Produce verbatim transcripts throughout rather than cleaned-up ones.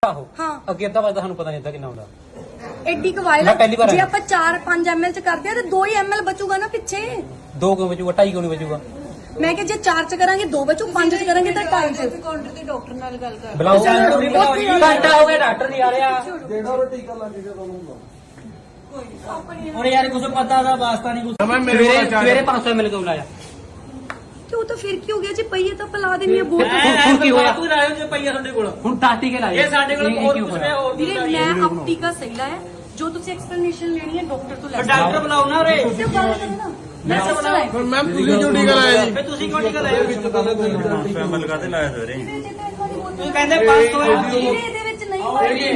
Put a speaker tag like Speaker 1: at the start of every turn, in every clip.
Speaker 1: हाँ
Speaker 2: ਅੱਗੇ ਅੱਧਾ ਵਜੇ ਸਾਨੂੰ ਪਤਾ ਨਹੀਂ ਹੁੰਦਾ ਕਿੰਨਾ ਹੁੰਦਾ
Speaker 1: एडी कवाइल जे आप चार पांच एम एल च करते हैं तो दो ही एम एल बचूगा ना पिछे
Speaker 2: दो क्यों बचूगा ढाई क्यों नहीं बचूगा
Speaker 1: मैं कि जे चार च करांगे दो बचू पांच च करांगे तो ढाई च
Speaker 3: काउंटर ते डॉक्टर नाल गल कर
Speaker 2: बुलाओ घंटा हो गया डॉक्टर नहीं आ रहा
Speaker 4: ਜਿਹੜਾ ਉਹ ਟੀਕਾ ਲੱਗ ਗਿਆ ਤੁਹਾਨੂੰ ਹੁੰਦਾ
Speaker 2: और यार कुछ पता था वास्ता नहीं कुछ सवेरे सवेरे पाँच सौ एम एल क्यों लाया
Speaker 1: क्यों तो फिर की हो गया जी पहिए तो पिला देनी है बहुत
Speaker 2: ਹੁਣ ਕੀ ਹੋਇਆ ਤੂੰ ਲਾਇਆ ਜੇ ਪਈਆ ਸਾਡੇ ਕੋਲ ਹੁਣ ਟਾਟੀ ਕੇ ਲਾਇਆ ਇਹ ਸਾਡੇ ਕੋਲ ਹੋਰ ਕੁਝ ਨਹੀਂ ਹੋਰ
Speaker 1: ਵੀਰੇ ਮੈਂ ਅਬ ਟੀਕਾ ਸਹੀ ਲਾਇਆ ਜੋ ਤੁਸੀਂ ਐਕਸਪਲੇਨੇਸ਼ਨ ਲੈਣੀ ਹੈ ਡਾਕਟਰ ਤੋਂ ਲੈ ਸਕਦੇ
Speaker 2: ਡਾਕਟਰ ਬੁਲਾਓ ਨਾ ਰੇ
Speaker 1: ਤੇ ਗੱਲ ਕਰੋ ਨਾ ਮੈਂ ਸਿਸਟਰ ਹੈ
Speaker 4: ਹੁਣ ਮੈਮ ਤੁਸੀਂ ਕਿਉਂ ਟੀਕਾ ਲਾਇਆ ਜੀ
Speaker 2: ਫੇ ਤੁਸੀਂ ਕਿਉਂ ਟੀਕਾ ਲਾਇਆ
Speaker 4: ਵਿੱਚ ਤਾਂ
Speaker 5: ਐਮ ਐਲ ਕਾਤੇ ਲਾਇਆ ਸਵੇਰੇ
Speaker 2: ਤੂੰ ਕਹਿੰਦੇ ਪੰਜ ਸੌ
Speaker 1: ਇਹਦੇ ਵਿੱਚ ਨਹੀਂ ਹੋਏਗੀ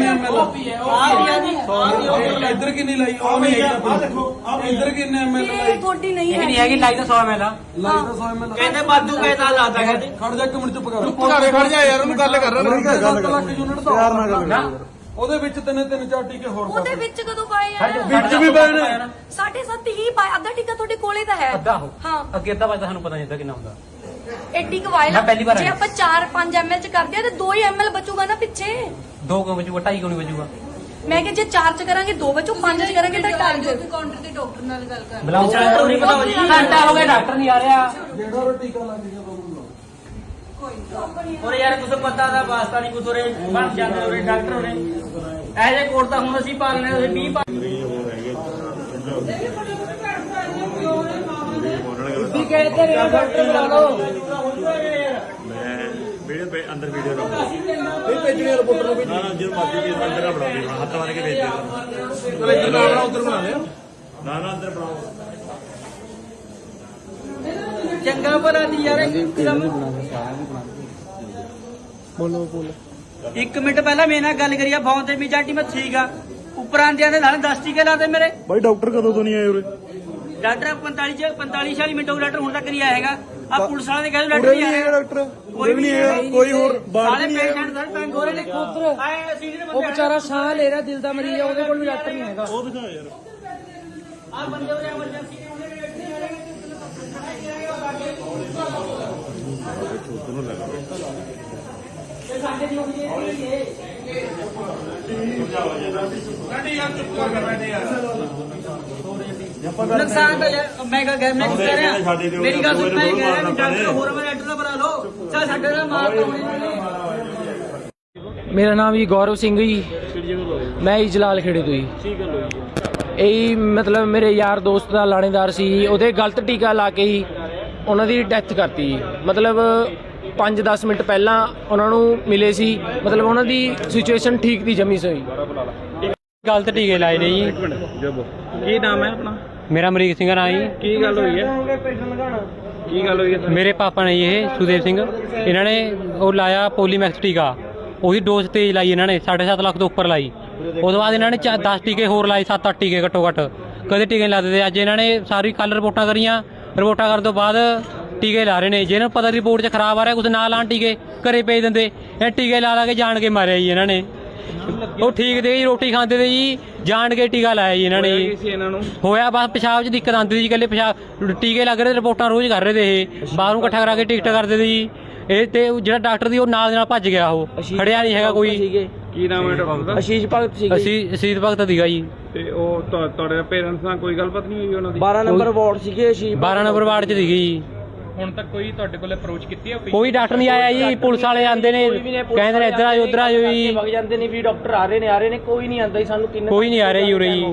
Speaker 4: ਇੱਧਰ ਕਿੰਨੀ ਲਾਈ ਉਹ ਨਹੀਂ ਆ ਦੇਖੋ ਇੱਧਰ ਕਿੰਨੇ ਐਮ ਐਲ ਲਾਈ
Speaker 1: ਇਹ ਤੁਹਾਡੀ ਨਹੀਂ
Speaker 2: ਇਹ
Speaker 1: ਹੈ
Speaker 2: ਨਹੀਂ ਹੈਗੀ ਲਾਈ ਤਾਂ ਸੌ ਐਮ ਐਲ ਆ
Speaker 4: ਲਾਈ ਤਾਂ ਸੌ ਐਮ ਐਲ
Speaker 2: ਕਹਿੰਦੇ ਬਾਦੂ ਕਹਿਦਾ ਲਾਤਾ ਕਹਿੰਦੇ
Speaker 4: ਖੜ ਜਾ ਇੱਕ ਮਿੰਟ ਚੁੱਪ ਕਰ ਚੁੱਪ ਕਰ ਖੜ ਜਾ ਯਾਰ ਉਹਨੂੰ ਗੱਲ ਕਰ ਰਿਹਾ ਸੱਤ ਲੱਖ ਯੂਨਿਟ ਦਾ ਯਾਰ ਨਾਲ ਗੱਲ ਉਹਦੇ ਵਿੱਚ ਤਿੰਨ ਤਿੰਨ ਚਾਰ ਟੀਕੇ ਹੋਰ
Speaker 1: ਉਹਦੇ ਵਿੱਚ ਕਦੋਂ ਪਾਏ ਆ
Speaker 4: ਵਿੱਚ ਵੀ ਪਏ ਨੇ
Speaker 1: ਸਾਢੇ ਸੱਤ ਹੀ ਪਾਏ ਅੱਧਾ ਟੀਕਾ ਤੁਹਾਡੇ ਕੋਲੇ ਤਾਂ ਹੈ
Speaker 2: ਅੱਧਾ ਹੋ
Speaker 1: ਹਾਂ
Speaker 2: ਅੱਗੇ ਅੱਧਾ ਵਜੇ ਸਾਨੂੰ ਪਤਾ ਨਹੀਂ ਹੁੰਦਾ ਕਿੰਨਾ ਹੁੰਦਾ
Speaker 1: ਐਡੀ ਕਵਾਇਲ
Speaker 2: ਮੈਂ ਪਹਿਲੀ ਵਾਰ
Speaker 1: ਜੇ
Speaker 2: ਆਇਆ।
Speaker 1: ਆਪਾਂ ਚਾਰ ਪੰਜ ਐਮ ਐਲ ਚ ਕਰਦੇ ਆ ਤੇ ਦੋ ਹੀ ਐਮ ਐਲ ਬਚੂਗਾ ਨਾ ਪਿੱਛੇ
Speaker 2: ਦੋ ਕਿਉਂ ਬਚੂਗਾ ਢਾਈ ਕਿਉਂ ਨਹੀਂ ਬਚੂਗਾ
Speaker 1: ਮੈਂ ਕਿ ਜੇ ਚਾਰ ਚ ਕਰਾਂਗੇ ਦੋ ਬਚੂ ਪੰਜ ਚ ਕਰਾਂਗੇ ਤਾਂ ਢਾਈ ਚ
Speaker 3: काउंटर ते डॉक्टर नाल गल कर
Speaker 2: ਬੁਲਾਓ ਡਾਕਟਰ ਨਹੀਂ ਬੁਲਾਓ ਜੀ ਘੰਟਾ ਹੋ ਗਿਆ ਡਾਕਟਰ ਨਹੀਂ ਆ ਰਿਹਾ
Speaker 4: ਜਿਹੜਾ ਉਹ ਟੀਕਾ ਲੱਗ ਗਿਆ ਤੁਹਾਨੂੰ
Speaker 2: ਔਰ ਯਾਰ ਕੁਝ ਪਤਾ ਦਾ ਵਾਸਤਾ ਨਹੀਂ ਕੁਝ ਉਰੇ ਬਣ ਜਾਂਦੇ ਉਰੇ ਡਾਕਟਰ ਉਰੇ ਐਜੇ ਕੋਟ ਤਾਂ ਹੁਣ ਅਸੀਂ ਪਾਲਨੇ ਤੁਸੀਂ ਵੀਹ ਪਾ ਤੁਸੀਂ ਕਹਿੰਦੇ ਰਹੇ ਡਾਕਟਰ ਬੁਲਾ ਲਓ
Speaker 5: ਮੈਂ ਵੀਡੀਓ ਅੰਦਰ ਵੀਡੀਓ ਰੱਖੋ
Speaker 4: ਇਹ ਭੇਜਣੀ ਰਿਪੋਰਟਰ ਨੂੰ
Speaker 5: ਨਾ ਨਾ ਜਦੋਂ ਮਰਜ਼ੀ ਜੀ ਅੰਦਰ ਨਾ ਬਣਾਓ ਜੀ, ਹੱਥ ਮਾਰ ਕੇ ਭੇਜ ਦਿਓ
Speaker 4: ਚਲੋ ਇੱਧਰ ਨਾ ਬਣਾ ਉੱਧਰ ਬਣਾ ਲਿਆ
Speaker 5: ਨਾ ਨਾ ਅੰਦਰ ਬਣਾਓ
Speaker 2: ਚੰਗਾ ਭਲਾ ਦੀ ਯਾਰ
Speaker 4: ਬੋਲੋ ਬੋਲੋ
Speaker 2: ਇੱਕ ਮਿੰਟ ਪਹਿਲਾਂ ਮੇਰੇ ਨਾਲ ਗੱਲ ਕਰੀਆ ਫੋਨ ਤੇ ਵੀ ਜਾਟੀ ਮੈਂ ਠੀਕ ਆ ਉੱਪਰ ਆਂਦਿਆਂ ਦੇ ਨਾਲ ਦਸ ਟੀਕੇ ਲਾਦੇ ਮੇਰੇ
Speaker 4: ਬਾਈ ਡਾਕਟਰ ਕਦੋਂ ਤੋਂ ਨਹੀਂ ਆਏ ਉਰੇ
Speaker 2: ਡਾਕਟਰ ਪੰਤਾਲੀ ਚ ਪੰਤਾਲੀ ਛਿਆਲੀ ਮਿੰਟ ਹੋ ਗਏ ਡਾਕਟਰ ਹੁਣ ਤੱਕ ਨਹੀਂ ਆਇਆ ਹੈਗਾ ਆ ਪੁਲਿਸ ਵਾਲੇ ਨੇ ਕਹਿੰਦੇ ਡਾਕਟਰ
Speaker 4: ਉਰੇ
Speaker 2: ਨਹੀਂ
Speaker 4: ਨਹੀਂ ਹੈਗਾ
Speaker 2: ਆਇਆ
Speaker 4: ਡਾਕਟਰ ਕੋਈ ਵੀ ਨਹੀਂ ਹੈਗਾ ਕੋਈ ਹੋਰ ਬਾਹਰ
Speaker 2: ਸਾਰੇ
Speaker 4: ਨਹੀਂ ਹੈਗਾ
Speaker 2: ਪੇਸ਼ੈਂਟ ਸਾਰੇ ਤੰਗ ਹੋ ਰਹੇ ਨੇ ਉਧਰ ਆਏ ਅਸੀਂ ਜਿਹੜੇ
Speaker 6: ਉਹ ਵਿਚਾਰਾ ਸਾਹ ਲੈ ਰਿਹਾ ਦਿਲ ਦਾ ਮਰੀਜ਼ ਆ ਉਹਦੇ ਕੋਲ ਵੀ ਡਾਕਟਰ ਨਹੀਂ ਹੈਗਾ
Speaker 4: ਉਹ ਦਿਖਾ ਯਾਰ
Speaker 2: ਆ ਬੰਦੇ ਉਰੇ ਐਮਰਜੈਂਸੀ ਦੇ ਉਹਨੇ ਇੱਥੇ ਆ ਰਹੇ ਤੇ ਸਾਡੇ ਦੀ ਹੋਈ ਹੈ ਨੁਕਸਾਨ ਤਾਂ ਯਾਰ ਮੈਂ ਕਹ ਗਿਆ ਮੈਂ ਕਹਿ ਰਿਹਾ ਮੇਰੀ ਗੱਲ ਸੁਣ ਮੈਂ ਕਹਿ ਰਿਹਾ ਵੀ ਡਾਕਟਰ ਹੋਰ ਮੈਂ ਡਾਕਟਰ ਦਾ ਬਣਾ ਲਓ ਚੱਲ ਸਾਡੇ ਨਾਲ ਮਾਰ ਪਾਉਣੀ
Speaker 6: ਮੇਰਾ ਨਾਮ ਜੀ ਗੌਰਵ ਸਿੰਘ ਜੀ ਮੈਂ ਜੀ ਜਲਾਲ ਖੇੜੇ ਤੋਂ ਜੀ ਇਹ ਮਤਲਬ ਮੇਰੇ ਯਾਰ ਦੋਸਤ ਦਾ ਲਾਣੇਦਾਰ ਸੀ ਉਹਦੇ ਗਲਤ ਟੀਕਾ ਲਾ ਕੇ ਹੀ ਉਹਨਾਂ ਦੀ ਡੈਥ ਕਰਤੀ ਜੀ ਮਤਲਬ ਪੰਜ ਦਸ ਮਿੰਟ ਪਹਿਲਾਂ ਉਹਨਾਂ ਨੂੰ ਮਿਲੇ ਸੀ ਮਤਲਬ ਉਹਨਾਂ ਦੀ ਸਿਚੁਏਸ਼ਨ ਠੀਕ ਦੀ ਜਮੀ ਸੋਈ ਗਲਤ ਟੀਕੇ ਲਾਏ ਨੇ ਜੀ
Speaker 4: ਕੀ ਨਾਮ ਹੈ ਆਪਣਾ
Speaker 6: ਮੇਰਾ ਅਮਰੀਕ ਸਿੰਘ ਨਾਂ ਜੀ
Speaker 4: ਕੀ ਗੱਲ ਹੋਈ ਹੈ ਕੀ ਗੱਲ ਹੋਈ ਹੈ
Speaker 6: ਮੇਰੇ ਪਾਪਾ ਨੇ ਜੀ ਇਹ ਸੁਦੇਵ ਸਿੰਘ ਇਹਨਾਂ ਨੇ ਉਹ ਲਾਇਆ ਪੋਲੀਮੈਕਸ ਟੀਕਾ ਉਹਦੀ ਡੋਜ਼ ਤੇਜ਼ ਲਾਈ ਇਹਨਾਂ ਨੇ ਸਾਢੇ ਸੱਤ ਲੱਖ ਤੋਂ ਉੱਪਰ ਲਾਈ ਉਸ ਤੋਂ ਬਾਅਦ ਇਹਨਾਂ ਨੇ ਦਸ ਟੀਕੇ ਹੋਰ ਲਾਏ ਸੱਤ ਅੱਠ ਟੀਕੇ ਘੱਟੋ ਘੱਟ ਕਦੇ ਟੀਕੇ ਨਹੀਂ ਲਾਦੇ ਤੇ ਅੱਜ ਇਹਨਾਂ ਨੇ ਸਾਰੀ ਕੱਲ ਰਿਪੋਰਟਾਂ ਕਰੀਆਂ ਰਿਪੋਰਟਾਂ ਕਰਨ ਤੋਂ ਬਾਅਦ ਟੀਕੇ ਲਾ ਰਹੇ ਨੇ ਜਿਹਨਾਂ ਨੂੰ ਪਤਾ ਰਿਪੋਰਟ 'ਚ ਖਰਾਬ ਆ ਰਿਹਾ ਕੁਝ ਨਾ ਲਾਣ ਟੀਕੇ ਘਰੇ ਭੇਜ ਦਿੰਦੇ ਇਹ ਟੀਕੇ ਲਾ ਲਾ ਕੇ ਜਾਣ ਕੇ ਮਾਰਿਆ ਜੀ ਇਹਨਾਂ ਨੇ ਉਹ ਠੀਕ ਦੇ ਜੀ ਰੋਟੀ ਖਾਂਦੇ ਤੇ ਜੀ ਜਾਣ ਕੇ ਟੀਕਾ ਲਾਇਆ ਜੀ ਇਹਨਾਂ ਨੇ ਜੀ ਹੋਇਆ ਬਸ ਪਿਸ਼ਾਬ 'ਚ ਦਿੱਕਤ ਆਉਂਦੀ ਸੀ ਇਕੱਲੇ ਪਿਸ਼ਾਬ ਟੀਕੇ ਲੱਗ ਰਹੇ ਰਿਪੋਰਟਾਂ ਰੋਜ਼ ਕਰ ਰਹੇ ਤੇ ਇਹ ਬਾਹਰੋਂ ਇਕੱਠਾ ਕਰਾ ਕੇ ਟਿਕਟ ਕਰਦੇ ਤੇ ਜੀ ਇਹ ਤੇ ਜਿਹੜਾ ਡਾਕਟਰ ਦੀ ਉਹ ਨਾਲ ਦੇ ਨਾਲ ਭੱਜ ਗਿਆ ਉਹ ਖੜਿਆ ਨਹੀਂ ਹੈਗਾ ਕੋਈ
Speaker 4: ਕੀ ਨਾਮ ਹੈ ਡਾਕਟਰ ਦਾ
Speaker 6: ਅਸ਼ੀਸ਼ ਭਗਤ ਸੀ ਅਸੀਂ ਅਸ਼ੀਸ਼ ਭਗਤ ਦੀਗਾ ਜੀ
Speaker 4: ਤੇ ਉਹ ਤੁਹਾ- ਤੁਹਾਡੇ ਪੇਰੈਂਟਸ ਨਾਲ ਕੋਈ ਗੱਲਬਾਤ ਨਹੀਂ ਹੋਈ ਉਹਨਾਂ ਦੀ
Speaker 6: ਬਾਰਾਂ ਨੰਬਰ ਵਾਰਡ ਸੀਗੇ ਅਸ਼ੀਸ਼ ਬਾਰਾਂ ਨੰਬਰ ਵਾਰਡ 'ਚ ਸੀਗੀ ਜੀ
Speaker 4: ਹੁਣ ਤੱਕ ਕੋਈ ਤੁਹਾਡੇ ਕੋਲ ਅਪਰੋਚ ਕੀਤੀ ਹੈ
Speaker 6: ਕੋਈ ਡਾਕਟਰ ਨਹੀਂ ਆਇਆ ਜੀ ਪੁਲਿਸ ਵਾਲੇ ਆਂਦੇ ਨੇ ਕਹਿੰਦੇ ਨੇ ਇੱਧਰ ਆਜੋ ਉੱਧਰ ਆਜੋ ਜੀ ਵਗ ਜਾਂਦੇ ਨੇ ਵੀ ਡਾਕਟਰ ਆ ਰਹੇ ਨੇ ਆ ਰਹੇ ਨੇ ਕੋਈ ਨਹੀਂ ਆਂਦਾ ਜੀ ਸਾਨੂੰ ਕਿੰਨੇ ਕੋਈ ਨਹੀਂ ਆ ਰਿਹਾ ਜੀ ਉਰੇ ਜੀ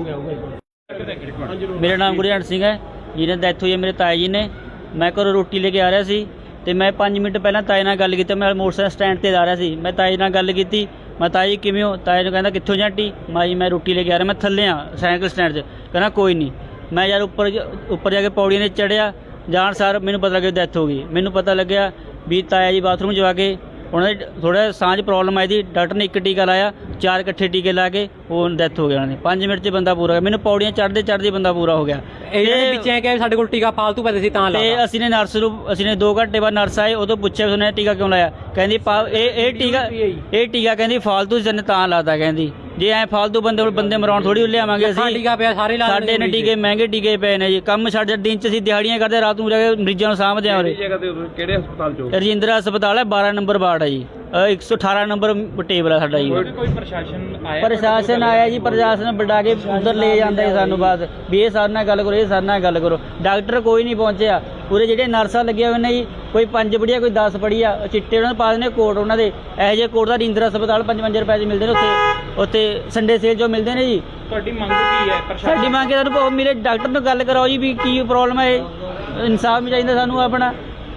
Speaker 7: ਮੇਰਾ ਨਾਮ ਗੁਰਜੰਟ ਸਿੰਘ ਹੈ ਜਿਹਨੇ ਡੈਥ ਹੋਈ ਹੈ ਮੇਰੇ ਤਾਏ ਜੀ ਨੇ ਮੈਂ ਘਰੋਂ ਰੋਟੀ ਲੈ ਕੇ ਆ ਰਿਹਾ ਸੀ ਤੇ ਮੈਂ ਪੰਜ ਮਿੰਟ ਪਹਿਲਾਂ ਤਾਏ ਨਾਲ ਗੱਲ ਕੀਤੀ ਮੈਂ ਮੋਟਰਸਾਈਕਲ ਸਟੈਂਡ ਤੇ ਜਾ ਰਿਹਾ ਸੀ ਮੈਂ ਤਾਏ ਨਾਲ ਗੱਲ ਕੀਤੀ ਮੈਂ ਤਾਏ ਜੀ ਕਿਵੇਂ ਹੋ ਤਾਏ ਨੂੰ ਕਹਿੰਦਾ ਕਿੱਥੋਂ ਜਾਂਟੀ ਮਾਈ ਮੈਂ ਰੋਟੀ ਲੈ ਕੇ ਆ ਰਿਹਾ ਮੈਂ ਥੱਲੇ ਆ ਸਾਈਕਲ ਸਟੈਂਡ 'ਚ ਕਹਿੰਦਾ ਕੋਈ ਨਹੀਂ ਮੈਂ ਯਾਰ ਉੱਪਰ ਉੱਪਰ ਜਾ ਕੇ ਪੌੜੀਆਂ 'ਤੇ ਚੜ੍ਹਿਆ ਜਾਣ ਸਾਰ ਮੈਨੂੰ ਪਤਾ ਲੱਗਿਆ ਡੈਥ ਹੋ ਗਈ ਮੈਨੂੰ ਪਤਾ ਲੱਗਿਆ ਵੀ ਤਾਇਆ ਜੀ ਬਾਥਰੂਮ 'ਚ ਜਾ ਕੇ ਉਹਨਾਂ ਦੇ ਥੋੜਾ ਸਾਹ 'ਚ ਪ੍ਰੋਬਲਮ ਆਈ ਸੀ ਡਾਕਟਰ ਨੇ ਇੱਕ ਟੀਕਾ ਲਾਇਆ ਚਾਰ ਇਕੱਠੇ ਟੀਕੇ ਲਾ ਕੇ ਉਹ ਡੈਥ ਹੋ ਗਿਆ ਉਹਨਾਂ ਦੀ ਪੰਜ ਮਿੰਟ 'ਚ ਬੰਦਾ ਪੂਰਾ ਹੋ ਗਿਆ ਮੈਨੂੰ ਪੌੜੀਆਂ ਚੜ੍ਹਦੇ ਚੜ੍ਹਦੇ ਬੰਦਾ ਪੂਰਾ ਹੋ ਗਿਆ
Speaker 6: ਇਹਦੇ ਵਿੱਚ ਐ ਕਿ ਸਾਡੇ ਕੋਲ ਟੀਕਾ ਫਾਲਤੂ ਪੈਸੇ ਸੀ ਤਾਂ
Speaker 7: ਤੇ ਅਸੀਂ ਨੇ ਨਰਸ ਨੂੰ ਅਸੀਂ ਨੇ ਦੋ ਘੰਟੇ ਬਾਅਦ ਨਰਸ ਆਏ ਉਦੋਂ ਪੁੱਛਿਆ ਉਹਨੇ ਟੀਕਾ ਕਿਉਂ ਲਾਇਆ ਕਹਿੰਦੀ ਇਹ ਇਹ ਟੀਕਾ ਇਹ ਟੀਕਾ ਕਹਿੰਦੀ ਫਾਲਤੂ ਜਨ ਤਾਂ ਲਾਤਾ ਕਹਿੰਦੀ ਜੇ ਐ ਫਾਲਤੂ ਬੰਦੇ ਕੋਲ ਬੰਦੇ ਮਰਾਉਣ ਥੋੜੀ ਲਿਆਵਾਂਗੇ ਅਸੀਂ
Speaker 6: ਟੀਕਾ ਪਿਆ ਸਾਰੇ ਲਾ
Speaker 7: ਸਾਡੇ ਨੇ ਟੀਕੇ ਮਹਿੰਗੇ ਟੀਕੇ ਪਏ ਨੇ ਜੀ ਕੰਮ ਸਾਡੇ ਦਿਨ 'ਚ ਅਸੀਂ ਦਿਹਾੜੀਆਂ ਕਰਦੇ ਰਾਤ ਨੂੰ ਜਾ ਕੇ ਮਰੀਜ਼ਾਂ ਨੂੰ ਸਾਂਭਦੇ ਆ ਉਰੇ
Speaker 4: ਜਗ੍ਹਾ ਤੇ ਕਿਹੜੇ ਹਸਪਤਾਲ 'ਚ
Speaker 7: ਰਜਿੰਦਰਾ ਹਸਪਤਾਲ ਹੈ ਬਾਰਾਂ ਨੰਬਰ ਵਾਰਡ ਹੈ ਜੀ ਇੱਕ ਸੌ ਅਠਾਰਾਂ ਨੰਬਰ ਟੇਬਲ ਆ ਸਾਡਾ ਜੀ।
Speaker 6: ਕੋਈ ਪ੍ਰਸ਼ਾਸਨ ਆਇਆ?
Speaker 7: ਪ੍ਰਸ਼ਾਸਨ ਆਇਆ ਜੀ, ਪ੍ਰਸ਼ਾਸਨ ਬੁਲਾ ਕੇ ਉਧਰ ਲੈ ਜਾਂਦਾ ਜੀ ਸਾਨੂੰ ਬਾਅਦ ਵੀ ਇਹ ਸਾਡੇ ਨਾਲ ਗੱਲ ਕਰੋ, ਇਹ ਸਾਡੇ ਨਾਲ ਗੱਲ ਕਰੋ। ਡਾਕਟਰ ਕੋਈ ਨਹੀਂ ਪਹੁੰਚਿਆ। ਪੂਰੇ ਜਿਹੜੇ ਨਰਸਾਂ ਲੱਗੀਆਂ ਹੋਏ ਨੇ ਜੀ, ਕੋਈ ਪੰਜ ਪੜ੍ਹੀਆ ਕੋਈ ਦਸ ਪੜ੍ਹੀਆ, ਚਿੱਟੇ ਉਹਨਾਂ ਨੂੰ ਪਾ ਦਿੰਦੇ ਕੋਟ ਉਹਨਾਂ ਦੇ। ਇਹੋ ਜਿਹੇ ਕੋਟ ਦਾ ਰਿੰਦਰ ਹਸਪਤਾਲ ਪੰਜ ਪੰਜ ਰੁਪਏ 'ਚ ਮਿਲਦੇ ਨੇ ਉੱਥੇ, ਉੱਥੇ ਸੰਡੇ ਸੇਲ 'ਚੋਂ ਮਿਲਦੇ ਨੇ ਜੀ।
Speaker 6: ਤੁਹਾਡੀ ਮੰਗ ਕੀ ਹੈ ਪ੍ਰਸ਼ਾਸਨ?
Speaker 7: ਸਾਡੀ ਮੰਗ ਹੈ ਸਾਨੂੰ ਮੇਰੇ ਡਾਕਟਰ ਨਾਲ ਗੱਲ ਕਰਾਓ ਜੀ ਵੀ ਕੀ ਪ੍ਰੋਬਲਮ ਹੈ, ਇਨਸਾਫ ਵੀ ਚਾਹੀਦਾ ਸਾਨੂੰ ਆਪਣਾ।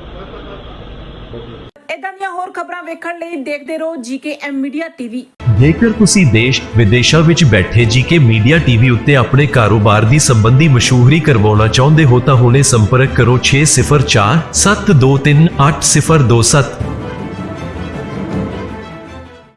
Speaker 8: ਇਦਾਂ ਦੀਆਂ ਹੋਰ ਖਬਰਾਂ ਵੇਖਣ ਲਈ ਦੇਖਦੇ ਰਹੋ ਜੀਕੇ ਐਮ ਮੀਡੀਆ ਟੀਵੀ।
Speaker 9: ਜੇਕਰ ਤੁਸੀਂ ਦੇਸ਼ ਵਿਦੇਸ਼ਾਂ ਵਿੱਚ ਬੈਠੇ ਜੀਕੇ ਮੀਡੀਆ ਟੀਵੀ ਉੱਤੇ ਆਪਣੇ ਕਾਰੋਬਾਰ ਦੀ ਸੰਬੰਧੀ ਮਸ਼ਹੂਰੀ ਕਰਵਾਉਣਾ ਚਾਹੁੰਦੇ ਹੋ ਤਾਂ ਹੁਣੇ ਸੰਪਰਕ ਕਰੋ ਛੇ ਸਿਫਰ ਚਾਰ ਸੱਤ ਦੋ ਤਿੰਨ ਅੱਠ ਸਿਫਰ ਦੋ ਸੱਤ।